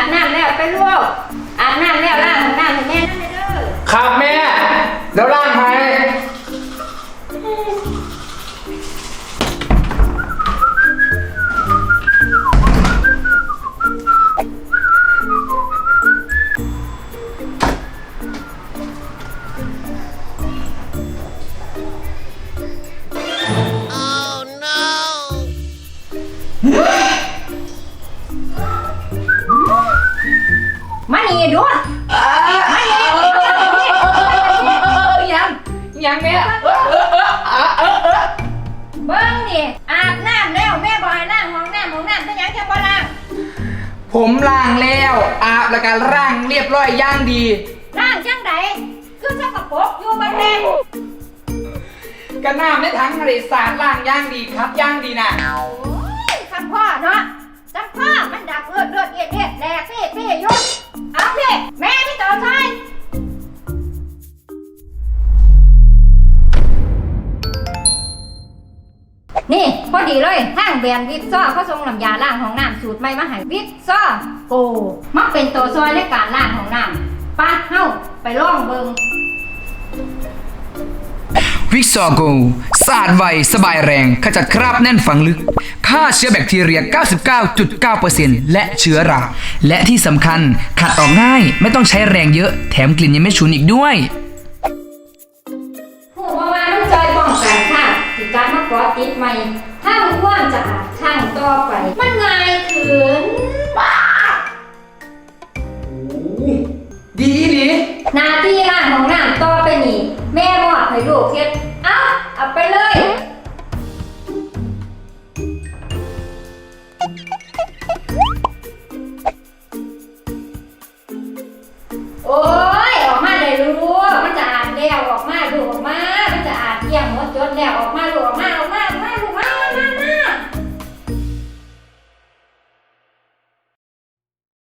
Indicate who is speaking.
Speaker 1: น้ำแล้วไปลูกอาบน้ำแล้วล้างห้องน้ำให้แม่นั่นเลยเด้อ
Speaker 2: ครับแม่แล้วร่างไหม
Speaker 1: มานี่ดูมานี่
Speaker 2: ยังแม่
Speaker 1: เบิ้งนี่อาบน้ำแล้วแม่บอกให้ล้างห้องน้ำเป็นหยังจะบ่ล้าง
Speaker 2: ผมล้างแล้วอาบแล้วก็ร่างเรียบร้อยย่างดี
Speaker 1: ล้างจังใดคือสกปรกอยู่เบัดแม่
Speaker 2: กระน้ำในถังทะเลสาดล่างย่างดีครับย่างดีนะ
Speaker 1: โอ้ยคำพ่อเนาะจำพ่อมันดับเลือดเอียดแดกเพ่ยุ่งเอาพี่แม่พี่ต่อใช่นี่พอดีเลยทางแบรนด์วิกซ่อเขาส่งน้ำยาล้างห้องน้ำสูตรใหม่มาให้วิกซ่อโกมักเป็นตัวซอยในการล้างห้องน้ำไปเฮ้าไปลองเบิ่ง
Speaker 3: วิกซอโกสะอาดไวสบายแรงขจัดคราบแน่นฝังลึกฆ่าเชื้อแบคทีเรีย 99.9% และเชื้อรา และที่สำคัญขัดออกง่ายไม่ต้องใช้แรงเยอะแถมกลิ่นยังไม่ฉุนอีกด้วย
Speaker 1: ผู้ว่ามันจอยป้องกันค่ะที่การมาก่อติดใหม่ถ้ามันว่างจะอาบข้างต่อไป มันง่ายขึ้นบ้า
Speaker 2: ดีดี
Speaker 1: หน้าที่ล้างห้องน้ำต่อไปนี่แม่บอกให้ลูกเฮ็ดเอาไปเลย โอ้